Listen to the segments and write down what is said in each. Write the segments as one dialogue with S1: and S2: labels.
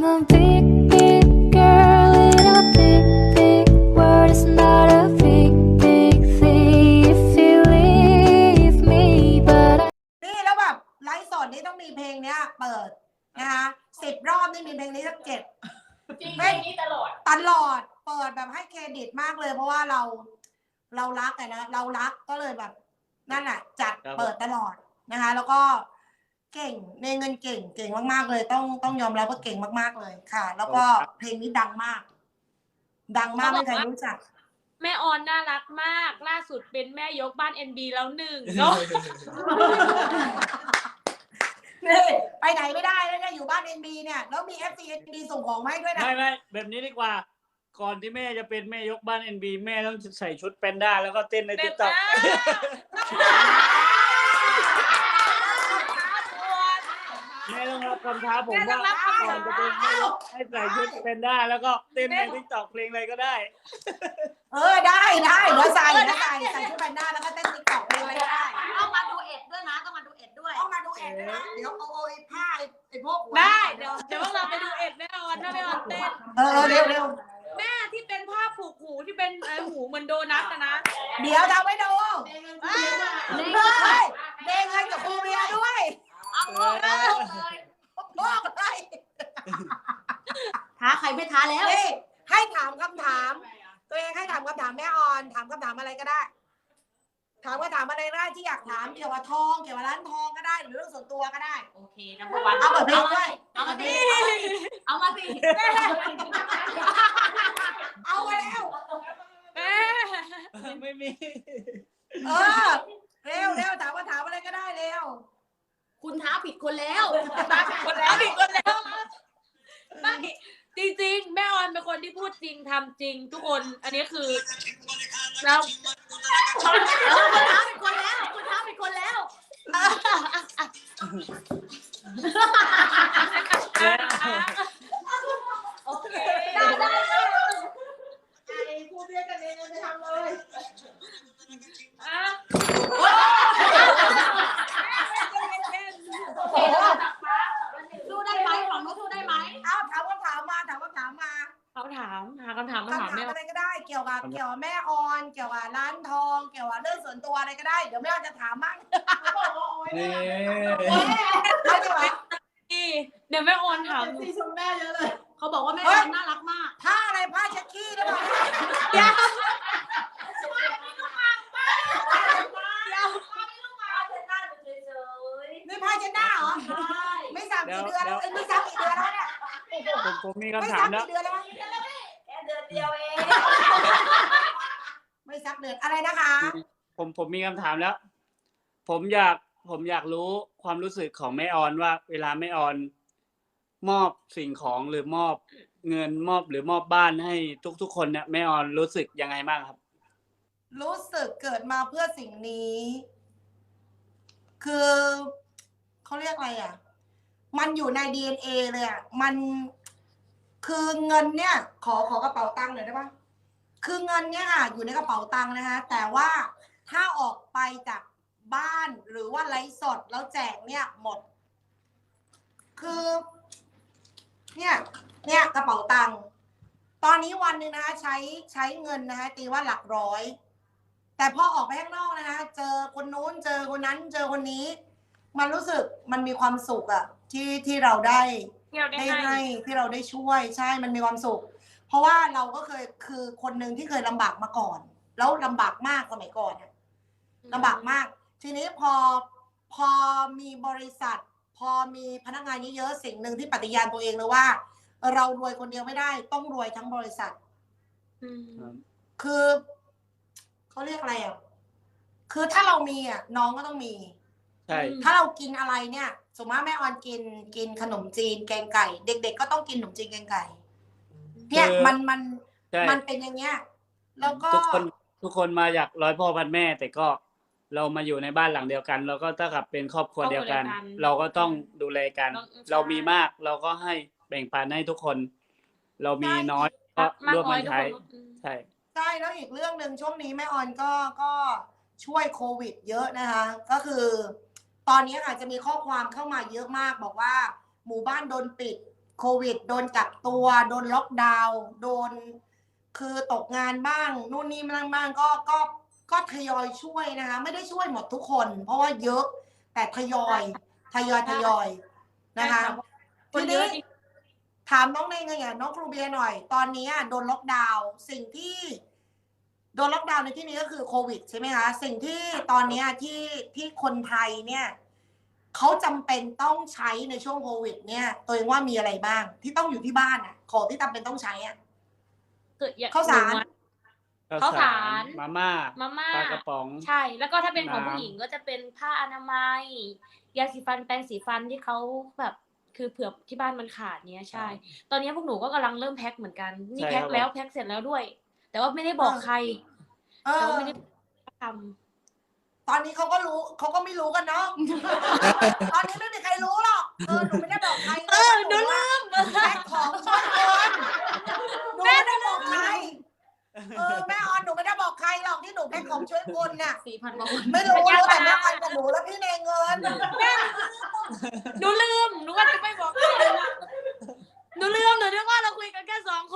S1: I'm a big, big girl in a big, big world. It's not a big, big thing if you leave me, but
S2: นี่แล้วแบบไลฟ์สดนี่ต้องมีเพลงเนี้ยเปิดนะคะ10 รอบนี่มีเพลงนี้สัก7
S3: จริงเพลงนี้ตลอด
S2: เปิดแบบให้เครดิตมากเลยเพราะว่าเรารักไงนะเรารักก็เลยแบบนั่นแหละจัดเปิดตลอดนะคะแล้วก็เก่งในเงินเก่งมากๆเลยต้องยอมรับว่าเก่งมากๆเลยค่ะ แล้วก็เพลงนี้ดังมากไม่ใครรู้จัก
S3: แม่ออนน่ารักมากล่าสุดเป็นแม่ยกบ้าน NB แล้ว1เนาะ
S2: นี่ไปไหนไม่ได้แล้วเนี่ยอยู่บ้าน NB เนี่ยแล้วมี FC NB ส่งของมาให้ด้วยนะ
S4: ไม่แบบนี้ดีกว่าก่อนที่แม่จะเป็นแม่ยกบ้าน NB แม่ต้องใส่ชุดแพนด้าแล้วก็เต้นใน TikTok แม่ต้องรับคำท้าผมว่าก่อนจะเป็นแม่ยกให้ใส่ชุดแพนด้าแล้วก็เต้นใน TikTok เพลงอะไรก็ได้
S2: ได้เดี๋ยวใส่ชุดแพนด้าแล้วก็เต้น TikTok เพลงอะไรก็ได้
S5: ต้องมาดูเอ็ดด้วยนะต้องมาดูเอ็ดด้วย
S2: นะเดี๋ยวเอาไอ้ผ้าไอ้พวก
S3: ได้เดี๋ยวเราไปดูเอ็ดแม่ออนถ้าแม่ออนเต้น
S2: เร็ว
S3: แม่ที่เป็นผ้าผูกหูที่เป็นหูเหมือนโดนัทนะ
S2: เดี๋ยวทำให้ดูเด้งให้กับครูเบียด้วย
S5: เอาบอกเลยท้าใครไม่ท้าแล้ว
S2: นี่ให้ถามคำถามตัวเองให้ถามคำถามแม่ออนถามคำถามอะไรก็ได้ถามอะไรก็ได้ที่อยากถามเกี่ยวกับทองเกี่ยวกับร้านทองก็ได้หรือเรื่องส่วนตัวก็ได้
S5: โอเคนะพวัน
S2: เอาเปิดเพลงด้วย
S5: เอามาสิเอามาแล้ว
S4: ไม่มี
S2: เร็วถามอะไรก็ได้เร็ว
S5: คุณท้าผิดคนแล้ว
S3: ไม่จริงๆแม่ออนเป็นคนที่พูดจริงทำจริงทุกคนอันนี้คือเรา
S5: คุณท้าผิดคนแล้วโอเคได้
S2: ครูเบียกันเองจะทำเลย
S5: สู้ได้ไหมของนู้นสู้ได้ไหม
S2: ถามคำถามมา
S3: เขาถามแม่
S2: อะไรก็ได้เกี่ยวกับแม่ออนเกี่ยวกับร้านทองเกี่ยวกับเรื่องส่วนตัวอะไรก็ได้เดี๋ยวแม่ออนจะถามมั่ง
S3: เดี๋ยวแม่ออนถาม
S5: ซีชมแม่เยอะเลยเขาบอกว่าแม่ออนน่ารักมาก
S2: ผ้าอะไรผ้าเช็ดขี้ได้ป่ะนี่ผ้าเช็ดหน้าเหรอไม่ซักกี่เดือนแล้วไม่ซักกี่เดือนแล้วเนี่ย
S4: ผมมีคำถามแล้ว
S2: ไม่ซักกี่เดือนแล้ว
S5: แค่เดือนเดียวเอง
S2: ไม่ซักเดือนอะไรนะคะ
S4: ผมมีคำถามแล้ว ผมอยากรู้ความรู้สึกของแม่ออนว่าเวลาแม่ออนมอบสิ่งของหรือมอบเงินมอบบ้านให้ทุกคนเนี่ยแม่ออนรู้สึกยังไงบ้างครับ
S2: รู้สึกเกิดมาเพื่อสิ่งนี้คือเขาเรียกอะไรอ่ะมันอยู่ใน DNA เลยอ่ะมันคือเงินเนี่ยขอกระเป๋าตังค์หน่อยได้ปะคือเงินเนี่ยค่ะอยู่ในกระเป๋าตังค์นะคะแต่ว่าถ้าออกไปจากบ้านหรือว่าไลฟ์สดแล้วแจกเนี่ยหมดคือเนี่ยกระเป๋าตังค์ตอนนี้วันนึงนะคะใช้เงินนะคะตีว่าหลักร้อยแต่พอออกไปข้างนอกนะคะเจอคนนู้นเจอคนนั้นเจอคนนี้มันรู้สึกมันมีความสุขอะที่เราได้ให้ที่เราได้ช่วยใช่มันมีความสุขเพราะว่าเราก็เคยคือคนหนึ่งที่เคยลำบากมาก่อนแล้วลำบากมากสมัยก่อนลำบากมากทีนี้พอมีบริษัทพอมีพนักงานเยอะๆสิ่งหนึ่งที่ปฏิญาณตัวเองเลยว่าเรารวยคนเดียวไม่ได้ต้องรวยทั้งบริษัทคือเขาเรียกอะไรอ่ะคือถ้าเรามีอ่ะน้องก็ต้องมี
S4: ใช่
S2: ถ้าเรากินอะไรเนี่ยสมมติแม่ออนกินขนมจีนแกงไก่เด็กๆก็ต้องกินขนมจีนแกงไก่เนี่ยมันเป็นอย่างเงี้ยแล้วก็
S4: ทุกคนมาจากร้อยพ่อพันแม่แต่ก็เรามาอยู่ในบ้านหลังเดียวกันเราก็เท่ากับเป็นครอบครัวเดียวกันเราก็ต้องดูแลกันเรามีมากเราก็ให้แบ่งปันให้ทุกคนเรามีน้อยก็ร่วมกันใช้ใช่
S2: แล้วอีกเรื่องหนึ่งช่วงนี้แม่ออนก็ช่วยโควิดเยอะนะคะก็คือตอนนี้อาจจะมีข้อความเข้ามาเยอะมากบอกว่าหมู่บ้านโดนปิดโควิด โดนกักตัว โดนล็อกดาวน์โดนคือตกงานบ้างนู่นนี่บ้างก็ทยอยช่วยนะคะ ไม่ได้ช่วยหมดทุกคน เพราะว่าเยอะแต่ทยอยนะคะ
S3: ค
S2: ที
S3: นเย
S2: นี้
S3: อะจริง
S2: ถามน้องเนยไงน้องครูเบียร์หน่อย ตอนนี้โดนล็อกดาวน์สิ่งที่โดนล็อกดาวน์ในที่นี้ก็คือโควิดใช่ไหมคะสิ่งที่ตอนนี้ที่คนไทยเนี่ยเขาจำเป็นต้องใช้ในช่วงโควิด เนี่ยตัวเองว่ามีอะไรบ้าง ที่ต้องอยู่ที่บ้านของที่จำเป็นต้องใช้ข้าวสาร
S3: ข้าวสาร
S4: มาม่า
S3: ป
S4: ปลากระป๋อง
S3: ใช่ แล้วก็ถ้าเป็นของ
S4: น้ำ
S3: ผู้หญิงก็จะเป็นผ้าอนามัยยาสีฟันแปรงสีฟันที่เขาแบบคือเผื่อที่บ้านมันขาดเนี้ยใช่ ตอนนี้พวกหนูก็กำลังเริ่มแพ็คเหมือนกันนี่แพ็คแล้วแพ็คเสร็จแล้วด้วย แต่ว่าไม่ได้บอกใครแต่ว่าไม่ได้ทำ
S2: ตอนนี้เขาก็รู้เขาก็ไม่รู้กันเนาะ ตอนนี้ไม่มีใครรู้หรอกหนูไม่ได้บอกใครหนูลืมแพ็คของช่วยคนหนูไม่ได้บอกใครแม่ออนหนูไม่ได้บอกใครหรอกที่หนูแพ็คของช่วยคนน่ะ
S5: 4,000 กว่าคน
S2: ไม่รู้แต่แม่ออนกับหนูแล้วพี่เนเงิน
S3: หนูลืมหนูว่าจะไม่บอกใครหนูลืมหนูนึกว่าเราคุยกันแค่2 คน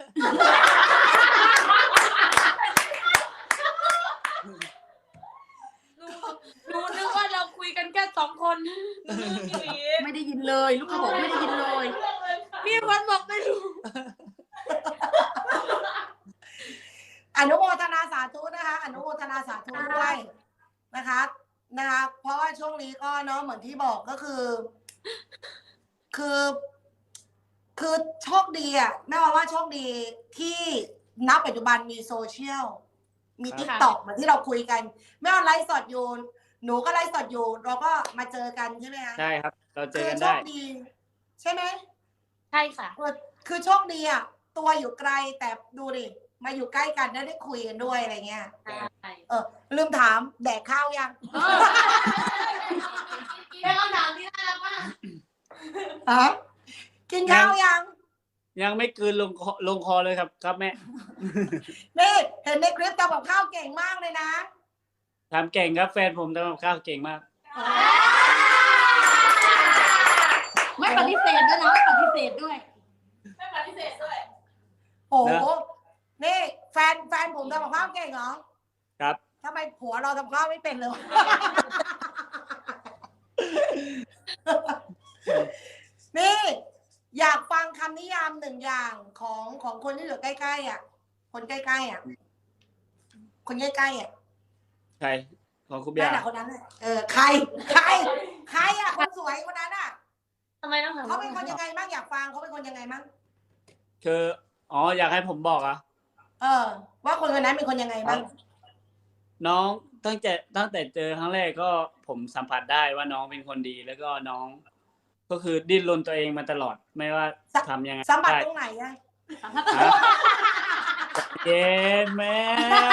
S3: หนูนึกว่าเราคุยกันแค่2 คนหนูลืมอยู่อีก
S5: ไม่ได้ยินเลยลูกค้าบอกไม่ได้ยินเลย
S3: มีคนบอกไม่รู้
S2: อนุโมทนาสาธุนะคะอนุโมทนาสาธุด้วยนะคะเพราะว่าช่วงนี้ก็เนาะเหมือนที่บอกก็คือโชคดีแม่ว่าโชคดีที่ณปัจจุบันมีโซเชียลมี TikTok เหมือนที่เราคุยกันแม่ว่าไลฟ์สดอยู่หนูก็ไลฟ์สดอยู่เราก็มาเจอกันใช่ไหมคะ
S4: ใช่ครับ เราเจอกัน
S2: โช
S4: ได้
S2: คดี ใช่ไหม
S3: ใช่ค่ะ
S2: คือโชคดีตัวอยู่ไกลแต่ดูดิมาอยู่ใกล้กันได้คุยกันด้วยอะไรเงี้ย
S3: ใช่
S2: ลืมถามแดกข้าวยัง
S5: เป็นคำถามที่น่ารักมาก
S2: ฮะกินข้าวยัง
S4: ยังไม่กลืนลงคอเลยครับแม่
S2: นี่เห็นในคลิปทำกับข้าวเก่งมากเลยนะ
S4: ทำเก่งครับแฟนผมทำกับข้าวเก่งมาก
S5: ไม่ปฏิเสธด้วยนะไม่ปฏิเสธด้วย
S2: โอ้โห
S4: นะ
S2: นี่แฟนผมทำกับข้าวเก่งเหรอ
S4: ครับ
S2: ทำไมผัวเราทำข้าวไม่เป็นเลยวะ นี่อยากฟังคำนิยาม1 อย่างของคนที่อยู่ใกล้ๆคนใกล้ๆคนใกล้ๆ
S4: ใครของคุณเบีย
S2: นั่น
S4: ร์
S2: แหละคนนั้นแหละใครคนสวยคนนั้น
S3: ทำไมต้องถาม
S2: เขาเป็นคนยังไงบ้างอยากฟังเขาเป็นคนยังไงบ้าง
S4: คืออยากให้ผมบอกอ่ะ
S2: ว่าคนคนนั้นเป็นคนยังไงบ้าง
S4: น้องตั้งแต่เจอครั้งแรกก็ผมสัมผัสได้ว่าน้องเป็นคนดี แล้วก็น้อง ก็คือดิ้นรนตัวเองมาตลอดไม่ว่าทำยังไง
S2: สัมผัส
S4: ได้
S2: ตรงไหนอะ
S4: เย็นแม่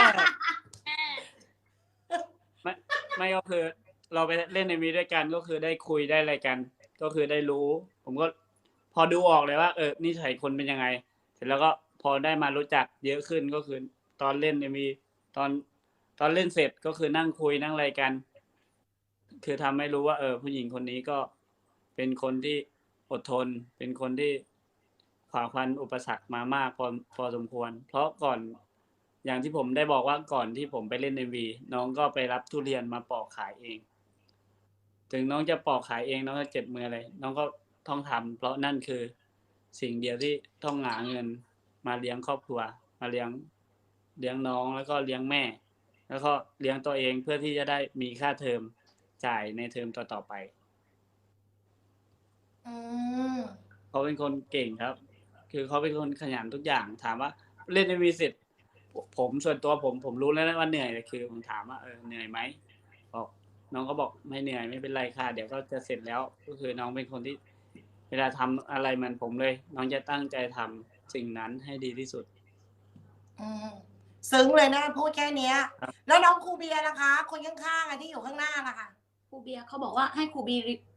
S4: ไม่ก็คือ เราไปเล่นในมีด้วยกันก็คือได้คุยได้อะไรกัน ก็คือได้รู้ ผมก็พอดูออกเลยว่านิสัยคนเป็นยังไง เสร็จแล้วก็พอได้มารู้จักเยอะขึ้นก็คือตอนเล่นมีตอนเล่นเสร็จก็คือนั่งคุยนั่งอะไรกัน คือทำให้รู้ว่าผู้หญิงคนนี้ก็เป็นคนที่อดทน เป็นคนที่ฝ่าฟันอุปสรรคมามากพอสมควร เพราะก่อนอย่างที่ผมได้บอกว่าก่อนที่ผมไปเล่น MV น้องก็ไปรับทุเรียนมาปอกขายเอง ถึงน้องจะปอกขายเองน้องจะเจ็บมืออะไรน้องก็ต้องทำเพราะนั่นคือสิ่งเดียวที่ต้องหาเงินมาเลี้ยงครอบครัวมาเลี้ยงน้องแล้วก็เลี้ยงแม่ แล้วก็เลี้ยงตัวเองเพื่อที่จะได้มีค่าเทอมจ่ายในเทอมต่อไป เขาเป็นคนเก่งครับ คือเขาเป็นคนขยันทุกอย่างถามว่าเล่นMVเสร็จผมส่วนตัวผมรู้แล้วว่าเหนื่อยแต่คือผมถามว่าเหนื่อยไหมบอกน้องก็บอกไม่เหนื่อยไม่เป็นไรค่ะเดี๋ยวก็จะเสร็จแล้วก็คือน้องเป็นคนที่เวลาทำอะไรเหมือนผมเลยน้องจะตั้งใจทำสิ่งนั้นให้ดีที่สุด
S2: ซึ้งเลยนะพูดแค่เนี้ย
S4: ครับ
S2: แล้วน้องครูเบียร์นะคะ คนข้างๆที่อยู่ข้างหน้าล่ะค่ะ
S5: ครูเบียร์เขาบอกว่าให้ครูเบี